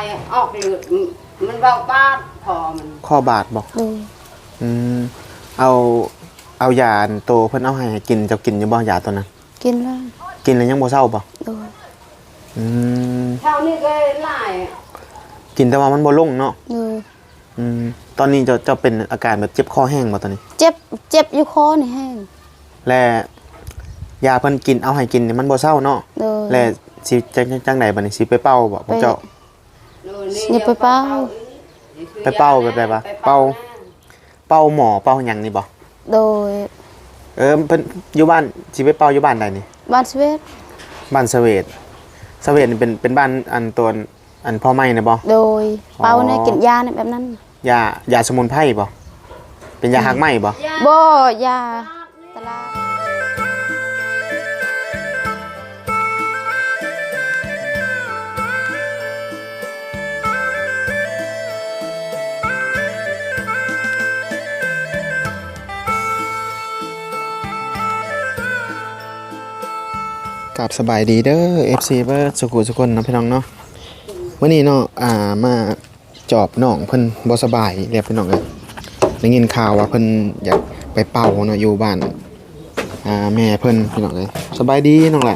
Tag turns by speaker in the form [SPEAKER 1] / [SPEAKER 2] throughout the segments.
[SPEAKER 1] ออกเลือดมันเบาบาดคอมัน
[SPEAKER 2] ข้อบาดบอกอืมเอายาโตเพิ่นเอาให้กินเจ้ากินอยู่บ่ยาตัวนั้น
[SPEAKER 3] กินแล้ว
[SPEAKER 2] กินแล้วยังบ่เศร้าบ่อืม
[SPEAKER 1] เท่านี้ก็หลาย
[SPEAKER 2] กินแต่ว่ามันบ่ลงเนาะตอนนี้จะเป็นอาการแบบเจ็บคอแห้งบ่ตอนนี้
[SPEAKER 3] เจ็บอยู่คอนี่แห้ง
[SPEAKER 2] และยาเพิ่นกินเอาให้กินนี่มันบ่เศร้าเนาะและสิจังไดบัดนี้สิไปเป่าบ่พ่อเจ้า
[SPEAKER 3] นี่ไปเป่า
[SPEAKER 2] แบบใดบ่เป่าหมอเป่าหยังนี่บ่
[SPEAKER 3] โดย
[SPEAKER 2] เพิ่นอยู่บ้านสิไปเป่าอยู่บ้านใดนี่
[SPEAKER 3] บ้านสเวต
[SPEAKER 2] บ้านสเวตนี่เป็นบ้านอันตัวอันพ่อไม้นะบ่
[SPEAKER 3] โดยเป่าเนี่ยกินยาเนี่ยแบบนั้น
[SPEAKER 2] ยาสมุนไพรบ่เป็นยาหักไหมบ่
[SPEAKER 3] ยาตลาด
[SPEAKER 2] กับสบายดีเด้อ FC เบิร์ดสุขุสุคนนะพี่น้องเนาะวันนี้เนาะมาจอบน้องเพิ่นบ่สบายเรียบพี่น้องเลยได้ยินข่าวว่าเพิ่นอยากไปเป่าเนาะอยู่บ้านแม่เพิ่นพี่น้องเลยสบายดีน้องแหละ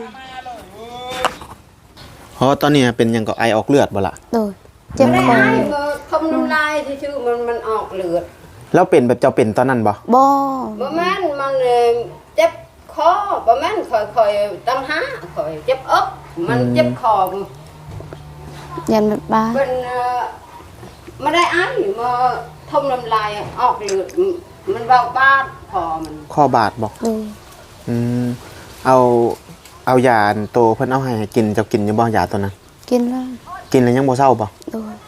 [SPEAKER 2] เพราะตอนนี้เป็นยังก็ไอออกเลือดบ่ล่ะ
[SPEAKER 3] โดยเจ็บคอ
[SPEAKER 1] ทำน้ำลายที่ชื่อมันออกเลือด
[SPEAKER 2] แล้วเป็นแบบเจ้าเป็นตอนนั้นบ่
[SPEAKER 1] แม่นมันเจ็บคอประมาณคอยตั้งหาคอยเจ็บอกมันเจ็บคอ
[SPEAKER 3] ยันแบบบ้า
[SPEAKER 1] เป็นไม่ได้อันมาทมน้ำลายออกเลือดมันเบาบาดคอมัน
[SPEAKER 2] ข้อบาดบอกเอายาโตเพิ่นเอาให้กินเจ้ากินอยู่บ่ยาตัวนั้น
[SPEAKER 3] กินแล้ว
[SPEAKER 2] กินแล้วยังบ่เศร้าบ่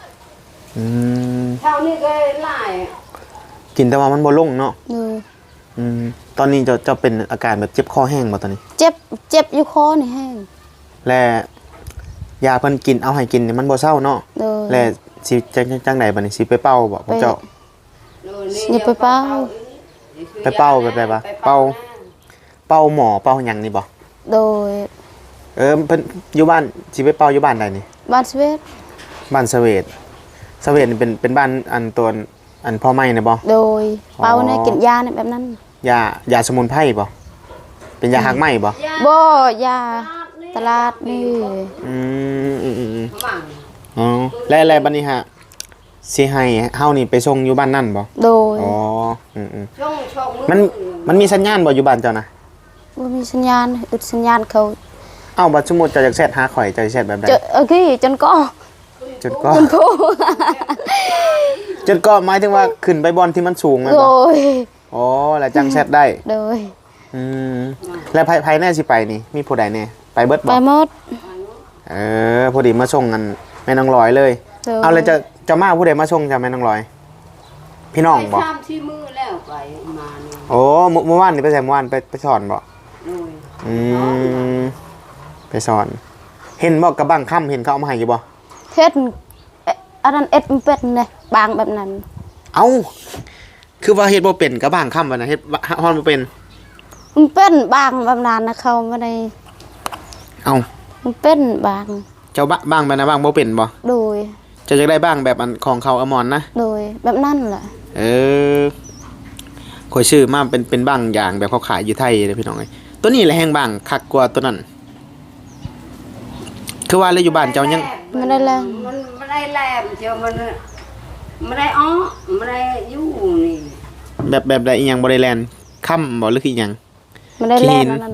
[SPEAKER 1] เท่านี้ก็หลาย
[SPEAKER 2] กินแต่ว่ามันบ่ลงเนาะตอนนี้จะเป็นอาการแบบเจ็บคอแห้งบ่ตอนนี้
[SPEAKER 3] เจ็บอยู่คอนี่แห้ง
[SPEAKER 2] และยาเพิ่นกินเอาให้กินนี่มันบ่เศร้าเนาะและสิจังไดบัดนี้สิไปเป่าบ่พ่อเจ้า
[SPEAKER 3] นี่ไปเป่า
[SPEAKER 2] แบบใดบ่เป่าหมอเป่าหยังนี่บ่
[SPEAKER 3] โดย
[SPEAKER 2] เพิ่นอยู่บ้านสิไปเป่าอยู่บ้านใดนี่
[SPEAKER 3] บ้านสเวต
[SPEAKER 2] นี่เป็นบ้านอันตัวอันพ่อไม้นะบ่
[SPEAKER 3] โดยเป่าเนี่ยกินยาเนี่ยแบบนั้น
[SPEAKER 2] ยาสมุนไพรบ่เป็นยาหักไหมบ่
[SPEAKER 3] ยาตลาดนี่
[SPEAKER 2] แล้วบัดนี้ฮะสิให้เฮานี่ไปส่งอยู่บ้านนั่นบ่
[SPEAKER 3] โดย
[SPEAKER 2] มันมีสัญญาณบ่อยู่บ้านเจ้านะ
[SPEAKER 3] บ่มีสัญญาณอึดสัญญาณเขา
[SPEAKER 2] บัดสมมุติเจ้าอยากแชทหาข่อยเจ้าสิแชทแบบใด
[SPEAKER 3] จนก็
[SPEAKER 2] หมายถึงว่าขึ้นไปบอลที่มันสูงแม่นบ่แล้วจังแชทได้
[SPEAKER 3] โดย
[SPEAKER 2] แล้วภายแน่สิไปนี่มีผู้ใดแน่ไปเบิดบ่
[SPEAKER 3] ไปหมด
[SPEAKER 2] พอดีมาส่งกันแม่นางลอยเลยเอาเลยจะมาผู้ใดมาส่งจ้ะแม่นางลอยพี่น้องบ่
[SPEAKER 1] ที่มือแล้วไปมา
[SPEAKER 2] เมื่อวานนี่ไปไปสอนบ่ไปสอนเห็นบ่กระบังค่ำเห็นเขาเอามาให้อยู่บ่
[SPEAKER 3] เฮ็ดอันนั้นมันเป็นเนี่ยบางแบบนั้น
[SPEAKER 2] คือว่าเฮ็ดบ่เป็นกระบังค่ำบ่นะเฮ็ดฮอนบ่เป็น
[SPEAKER 3] มันเป็นบางแบบนั้นนะเขาไม่ได้มันเป็นบาง
[SPEAKER 2] เจ้าบางแบบนะบางบ่เป็นบ่
[SPEAKER 3] โดย
[SPEAKER 2] จะได้บ้างแบบอันของเขาอมรนะ
[SPEAKER 3] โดยแบบนั้นแหละ
[SPEAKER 2] ข่อยชื่อมาเป็นบางอย่างแบบเขาขายอยู่ไทยเลยพี่น้องเอ้ยตัวนี้แหละแห้งบางคักกว่าตัวนั้นคือว่าเลยอยู่บ้านเจ้ายัง
[SPEAKER 3] ไม่ได้แรง
[SPEAKER 1] มันไม่ได้แรงเจ้ามันไม่ได้ไม่ได้อยู่นี่
[SPEAKER 2] แบบใดอีหยังบ่ได้แลนค่ำบ่หรือคืออีหยัง
[SPEAKER 3] ไม่ได้แลนนั่น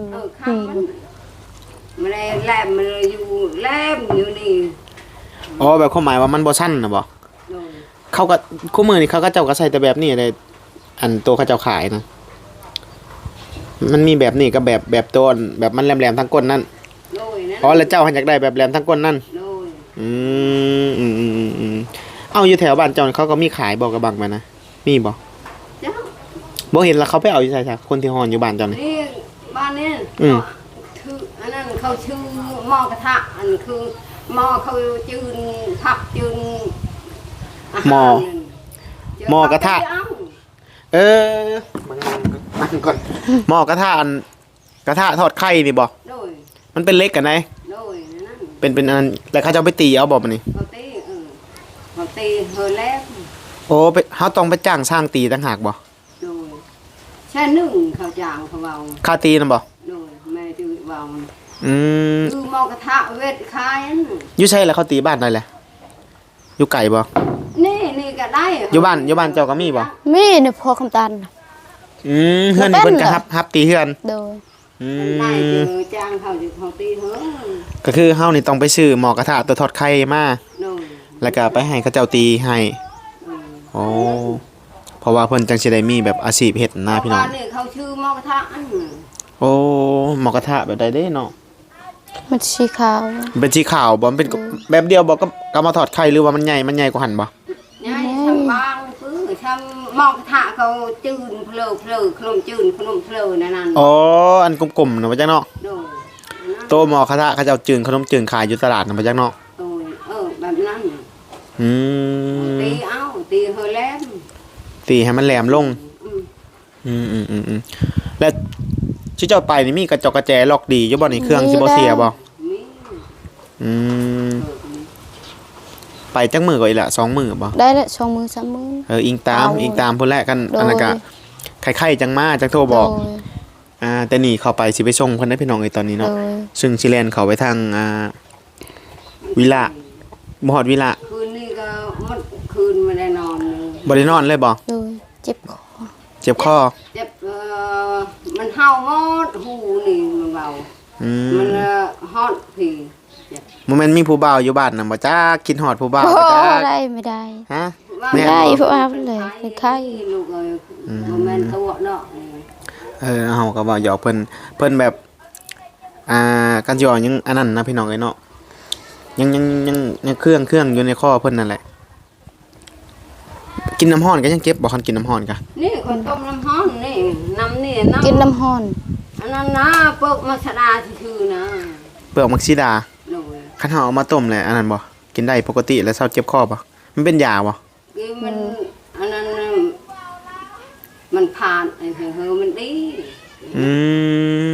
[SPEAKER 1] ไม่ได้แลมมันอยู่แลมอยู่นี่
[SPEAKER 2] แบบความหมายว่ามันบ่สั้นนะบ่เขาก็คู่มือนี่เขาก็เจ้าก็ใส่แต่แบบนี้เลยอันตัวเขาเจ้าขายนะมันมีแบบนี้กับแบบต้นแบบมันแหลมๆทั้งก้นนั่นแล้วเจ้าหันอยากได้แบบแหลมทั้งก้นนั่นอยู่แถวบ้านเจ้าเขาก็มีขายบอกกระบังมานะมีบ่เห็นแล้วเขาไปเอาอยู่ใช่คนที่ฮอนอยู่บ้านเจ้านี่
[SPEAKER 1] บ้านนี้คืออันนั้นเขาชื่อหม้อกระทะอันคือหม้อเขาจืนผักจืน
[SPEAKER 2] หม้อกระทะมันก่อนหม้อกระทะกระทะทอดไข่นี่บ่มันเป็นเล็กกันไหนเป็นอันแล้วเขาจะไปตีเอาบ่มันนี่
[SPEAKER 1] เขาตีเฮอแล้ว
[SPEAKER 2] โอ้ไปเฮาต้องไปจ้างสร้างตีต่างหากบ่
[SPEAKER 1] โดยแช่หนึ่งเขาจางเขาเบา
[SPEAKER 2] ค่าตีนำบ่
[SPEAKER 1] โดยแม่จืดเบา
[SPEAKER 2] อืม
[SPEAKER 1] คือหมอกระทะเวทคายอัน
[SPEAKER 2] อยู่ใช่แล้วเขาตีบ้านได้แหละอยู่ไกลบ่
[SPEAKER 1] นี่ก็ได้
[SPEAKER 2] อยู่บ้านเจ้าก็มีบ่
[SPEAKER 3] มีเนี่ยพอคำตัน
[SPEAKER 2] เฮือนนี่เพิ่นก็รับตีเฮือน
[SPEAKER 3] โดย
[SPEAKER 2] อื
[SPEAKER 1] ได้
[SPEAKER 2] ม
[SPEAKER 1] เจอจ้างเขาจะเขาตีเถอะ
[SPEAKER 2] ก็คือเฮานี่ต้องไปซื้อหม้อกระทะตัวทอดไข่มา
[SPEAKER 1] โดย
[SPEAKER 2] แล้วก็ไปให้เขาเจ้าตีให้โอ้เพราะว่าเพิ่นจังสิได้มีแบบอาชีพเฮ็ดนะพี่น้อง
[SPEAKER 1] นี่เขาชื่อหมอกระทะอัน
[SPEAKER 2] โอ้หม้อกระทะแบบใดเด้เนาะ
[SPEAKER 3] มันสีขาว
[SPEAKER 2] เป็นสีขาวบ่มันเป็นแบบเดียวบ่ก็มาทอดไข่หรือว่ามันใหญ่กว่าหั่นบ่
[SPEAKER 1] ยายทำบางคือทำหมอกระทะเขาจืนเพลอขนมจืนขนมเพลอนั่น
[SPEAKER 2] อ๋ออันกลมๆน่ะบ่จักเนาะ
[SPEAKER 1] โดย
[SPEAKER 2] โตหม้อกระทะเขาเจ้าจืงขนมจืงขายอยู่ตลาดน่ะบ่จักเนาะ
[SPEAKER 1] โดยแบบนั้น
[SPEAKER 2] อืม
[SPEAKER 1] ตีเอาตีเฮอแล้ว
[SPEAKER 2] ตีให้มันแหลมลง แล้วที่เจ้าไปนี่มีกระจกกระแจล็อกดีอยู่บ่นี่เครื่องสิบ่เสียบ่
[SPEAKER 1] มี
[SPEAKER 2] อืมไปจักมื้อก็อีกละ2มื้อบ่
[SPEAKER 3] ได้ละ2 มือ 3 มือ
[SPEAKER 2] อิงตามพุ่นแหละกัน
[SPEAKER 3] โดย
[SPEAKER 2] อันนั้นก็ไข่ๆจังมาจังโทรบอก
[SPEAKER 3] โดย
[SPEAKER 2] แต่นี่เข้าไปสิไปส่งเพิ่นได้พี่น้องเอ้ยตอนนี้
[SPEAKER 3] โด
[SPEAKER 2] เนาะ
[SPEAKER 3] ย
[SPEAKER 2] ซึ่งสิแล่นเข้าไปทางวิละบ่ฮอดวิละ
[SPEAKER 1] คืนนี้ก็มันคืนไม่ได้นอนเลย
[SPEAKER 2] บ่ได้นอนเลยบ่
[SPEAKER 3] โดยเจ็บคอ
[SPEAKER 2] เจ็บคอ
[SPEAKER 1] เจ็บมันเห่าหมดหูนี่มันเบา
[SPEAKER 2] อื
[SPEAKER 1] มัน
[SPEAKER 2] ม
[SPEAKER 1] ฮอดผีเจ็บ
[SPEAKER 2] บ่แม่นมีผู้บ่าวอยู่บ้านน่ะบ่จ้ากินฮอดผู้บ่าว
[SPEAKER 3] โอ้
[SPEAKER 2] บ่จ้า
[SPEAKER 3] ได้ไม่ได้
[SPEAKER 2] ฮะ
[SPEAKER 3] ไม่ได้เพราะว่าเลยเป็นไข้
[SPEAKER 1] ลูกเอ้ยบ่แม่นตัวเนาะ
[SPEAKER 2] เฮาก็ว่าหยอกเพิ่นแบบกันสิว่ายังอันนั้นนะพี่น้องเอ้ยเนาะยังเครื่องอยู่ในคอเพิ่นนั่นแหละกินน้ำร้อนก็ยังเก็บบ่คันกินน้ำร้อนกะ
[SPEAKER 1] นี่คนต้มน้ำฮ้อนนี่น้ำนี่น้ำ
[SPEAKER 3] กินน้ำห้อน
[SPEAKER 1] อันนั้นนะเปิกมัสดาชื่อๆนะ
[SPEAKER 2] เปลือกมักซิดา
[SPEAKER 1] โดย
[SPEAKER 2] คันเฮาเอามาต้มแหละอันนั้นบ่กินได้ปกติแล้วเซาเจ็บคอบ่มันเป็นยาบ่
[SPEAKER 1] คือมันอันนั้นน่ะมันผ่านไอ้เฮอมันดี
[SPEAKER 2] อืม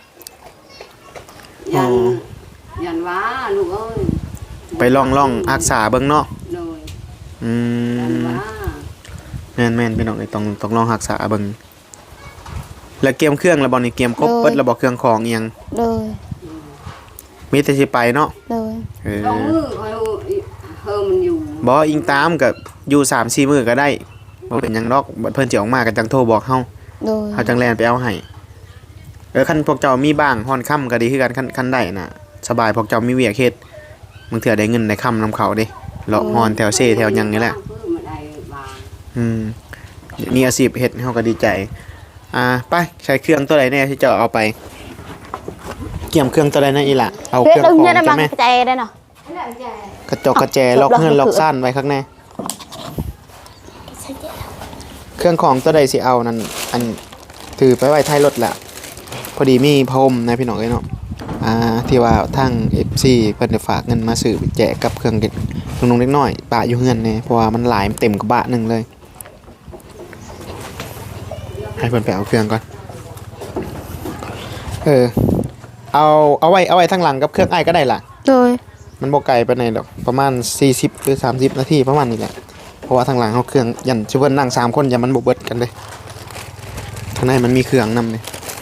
[SPEAKER 1] ยัน
[SPEAKER 2] อ๋อ
[SPEAKER 1] ยันว่าลูกเอ้ย
[SPEAKER 2] ไปลองรักษาเบิ่งเนาะ
[SPEAKER 1] โดย
[SPEAKER 2] อื
[SPEAKER 1] ยัน
[SPEAKER 2] ม
[SPEAKER 1] ว่า
[SPEAKER 2] แม่นๆพี่น้องเอ้ยต้องลองรักษาเบิ่งแล้วเกมเครื่องแล้วบ่นี่เกมครบเบิดแล้วบ่เครื่องของอีหยัง
[SPEAKER 3] โดย
[SPEAKER 2] มีแต่สิไปเนาะ
[SPEAKER 3] โดย
[SPEAKER 2] เออ
[SPEAKER 1] ลองมือคอยเฮอมันอยู่
[SPEAKER 2] บ่อิงตามก็อยู่ 3-4 มื้อก็ได้บ่เป็นหยังดอกบัดเพิ่นสิออกมาก็จังโทรบอกเฮา
[SPEAKER 3] โดย
[SPEAKER 2] เฮาจังแล่นไปเอาให้คันพวกเจ้ามีบ้างฮ้อนค่ำก็ดีคือกันคันได้น่ะสบายพวกเจ้ามีเวียกเฮ็ดบางเทื่อได้เงินได้ค่ำนำเขาเด้เลาะฮ้อนแถวเซแถวหยังนี่แหละ
[SPEAKER 1] เพื่อมาได้บาง
[SPEAKER 2] มีอาชีพเฮ็ดเฮาก็ดีใจไปใช้เครื่องตัวใดแน่ที่เจ้าเอาไปเกี่ยมเครื่องตัวใดนะอีหล่ะเอาเค
[SPEAKER 3] เฮ็ด
[SPEAKER 2] รื่อง
[SPEAKER 3] ตรง
[SPEAKER 2] ของ
[SPEAKER 3] นี้ได้
[SPEAKER 2] จ้ะ
[SPEAKER 3] มั้ง
[SPEAKER 2] แม่
[SPEAKER 3] ใจได้เนาะ
[SPEAKER 2] กระจกกระแจล็อกเฮือนล็อกซ่านไว้ข้างในเครื่องของตัวใดสิเอานั่นอันถือไปไว้ท้ายรถแหละพอดีมีพรมนะพี่น้องเอ้ยเนาะที่ว่าทาง FC เพิ่นได้ฝากเงินมาซื้อไปแจกกับเครื่องเด็กน้องๆเล็กน้อยปะอยู่เฮือนแน่เพราะว่ามันหลายมันเต็มกระบะหนึงเลยให้เพิ่นไปเอาเครื่องก่อนเอาไว้ทางหลังกับเครื่องไอ้ายก็ได้ล่ะ
[SPEAKER 3] โดย
[SPEAKER 2] มันบ่ไกลไปไหนหรอกประมาณ40หรือ30นาทีประมาณนี้แหละเพราะว่าทางหลังเฮาเครื่องยันสิเพิ่นนั่ง3คนอย่ามันบ่เบิดกันเลยทางในมันมีเครื่องนำเลย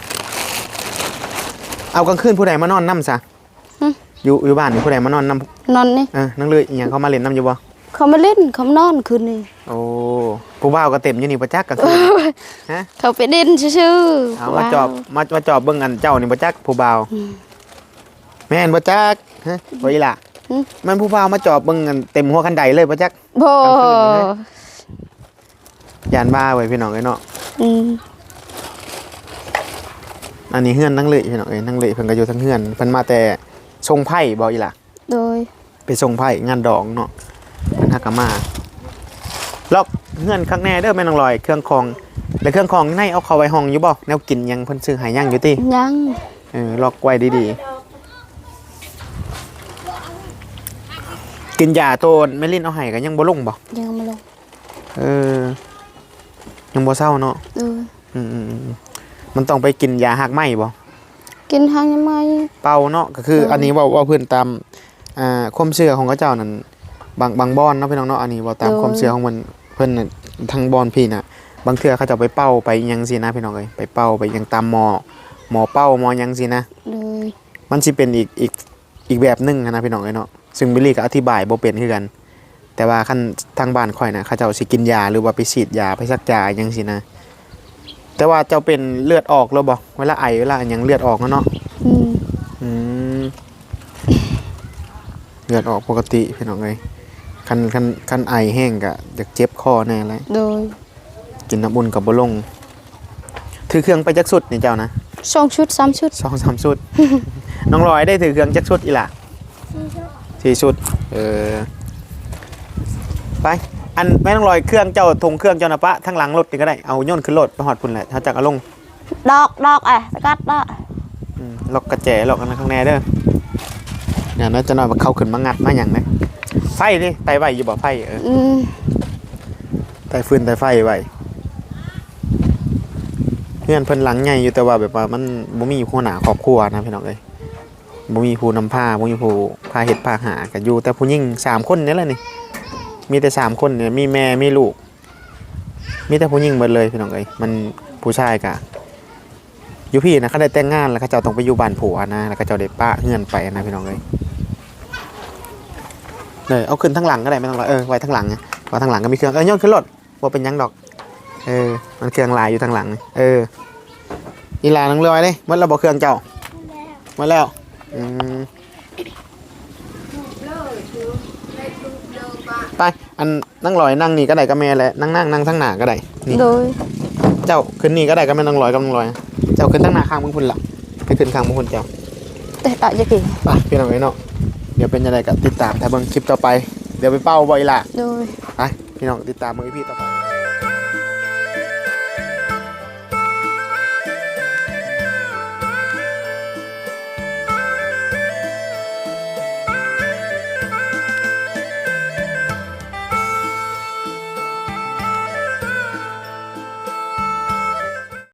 [SPEAKER 2] เอากลางคืนผู้ใดมานอนนำซะอยู่บ้านนี่ผู้ใดมานอนนำ
[SPEAKER 3] นอนนี่
[SPEAKER 2] นั่งเลยอีหยังเขามาเล่นนำอยู่บ่
[SPEAKER 3] เขามาเล่นเขามานอนคืนนี้
[SPEAKER 2] โอ้ผู้บ่าวก็เต็มอยู่นี่บ่จักกลางคืนฮะ
[SPEAKER 3] เขาไปเล่นชื่อๆ
[SPEAKER 2] เอามาจอบมาจอบเบิ่งอันเจ้านี่บ่จักผู้บ่าวแม่นบ่จักฮะบ่อีหล่ะมันผู้บ่าวมาจอบเบิ่งอันเต็มหัวคันไดเลยบ่จัก
[SPEAKER 3] โบ
[SPEAKER 2] ยานบ้าไว้พี่น้องเอ้ยเนาะ
[SPEAKER 3] อืม
[SPEAKER 2] อันนี้เฮือนนั่งเลยพี่น้องเอ้ยนั่งเลยเพิ่นก็อยู่ทั้งเฮือนเพิ่นมาแต่ทรงไพ่บ่อีหล่ะ
[SPEAKER 3] โดย
[SPEAKER 2] ไปทรงไพ่งานดองเนาะเพิ่นฮักกะมาล็อกเฮือนข้างแน่เด้อแม่น้องลอยเครื่องของแล้วเครื่องของในเอาเข้าไว้ห้องอยู่บ่แนวกินยังเพิ่นซื้อให้ยังอยู่ติ
[SPEAKER 3] ยัง
[SPEAKER 2] ล็อกไว้ดีๆกินยาโตนแม่ลิ้นเอาให้ก็ยังบ่ลงบ่
[SPEAKER 3] ยังมาลง
[SPEAKER 2] ยังบ่เศร้าเนาะ
[SPEAKER 3] โดย
[SPEAKER 2] มันต้องไปกินยาหักไหมบ่
[SPEAKER 3] กินทางยังไง
[SPEAKER 2] เป่าเนาะก็คืออันนี้ว่าเพิ่นตามความเชื่อของเขาเจ้านั่นบางบ่อนเนาะพี่น้องเนาะอันนี้ว่าตามความเชื่อของมันเพิ่นน่ะทางบ่อนพี่น่ะบางเทื่อเขาจะเอาไปเป้าไปอิหยังสินะพี่น้องเอ้ยไปเป้าไปอิหยังตามหมอเป้าหมอหยังสินะ
[SPEAKER 3] เลย
[SPEAKER 2] มันสิเป็นอีกแบบหนึงนะพี่น้องเอ้ยเนาะซึ่งบิลลี่ก็อธิบายบ่เป็นคือกัน แต่ว่าคันทางบ้านข่อยน่ะเขาเจ้าสิกินยาหรือว่าไปฉีดยาไปซักยาอิหยังสินะแต่ว่าเจ้าเป็นเลือดออกแล้วบ่เวลาไอเวลาอิหยังเลือดออกเนาะ อืมเลือดออกปกติพี่น้องเอ้ยคันไอแห้งก็อยากเจ็บคอแน่เลย
[SPEAKER 3] โดย
[SPEAKER 2] กินน้ำอุ่นกับบ่ลงถือเครื่องไปจักสุดนี่เจ้านะ
[SPEAKER 3] 2 ชุด 3 ชุด
[SPEAKER 2] 2-3 สุด น้องลอยได้ถือเครื่องจักสุดอีหล่ะ4 ชุดไปอันแม่น้องลอยเครื่องเจ้าทงเครื่องเจ้านะปะทั้งหลังรถนี่ก็ได้เอาโย่นขึ้นรถไปหอดพุ่นแหละเขาจักเอาลง
[SPEAKER 3] ดอกไปกัดดอก
[SPEAKER 2] ล็อกกระแจล็อกกันข้างในเด้อเนี่ยน่าจะนอนมาเข้าขึ้นมางัดมาอย่างนะไฟนี่ไตไว้อยู่บ่ไฟไตฟืนไตไฟไว้เพื่อนเพิ่นหลังใหญ่อยู่แต่ว่าแบบว่ามันบ่มีผู้หนาครอบครัวนะพี่น้องเอ้ยบ่มีผู้นำพาบ่มีผู้พาเฮ็ดพาหาก็อยู่แต่ผู้หญิง3คนนี่แหละนี่มีแต่3คนเนี่ยมีแม่มีลูกมีแต่ผู้หญิงหมดเลยพี่น้องเอ้ยมันผู้ชายก็อยู่พี่นะเขาได้แต่งงานแล้วเขาเจ้าต้องไปอยู่บ้านผัวนะแล้วเขาเจ้าได้ป้าเงื่อนไปนะพี่น้องเอ้ยเลยเอาขึ้นทั้งหลังก็ได้ไม่ต้องรอไว้ทั้งหลังไงเพราะทั้งหลังก็มีเครื่องย่นขึ้นรถว่าเป็นยังดอกมันเครื่องลายอยู่ทางหลังอีลานังเรือไว้เลยมันระบบเครื่องเจ้ามาแล้วไปอันนั่งลอยนั่งนี่ก็ได้ก็แม่แหละนั่งทั้งหน้าก็ได้นี่
[SPEAKER 3] โดย
[SPEAKER 2] เจ้าขึ้นนี่ก็ได้ก็แม่นั่งลอยก็นั่งลอยเจ้าขึ้นทั้งหน้าข้างมึงพุ่นละไปขึ้นข้างมึงพุ่นเจ้า
[SPEAKER 3] แต่ดอกจะกี่
[SPEAKER 2] ไปพี่น้องไอ้เนาะเดี๋ยวเป็นยังไงก็ติดตามถ้าเบิ่งคลิปต่อไปเดี๋ยวไปเป้าบ่อยล่ะ
[SPEAKER 3] โดย
[SPEAKER 2] ไปพี่น้องติดตามมือพี่ต่อไป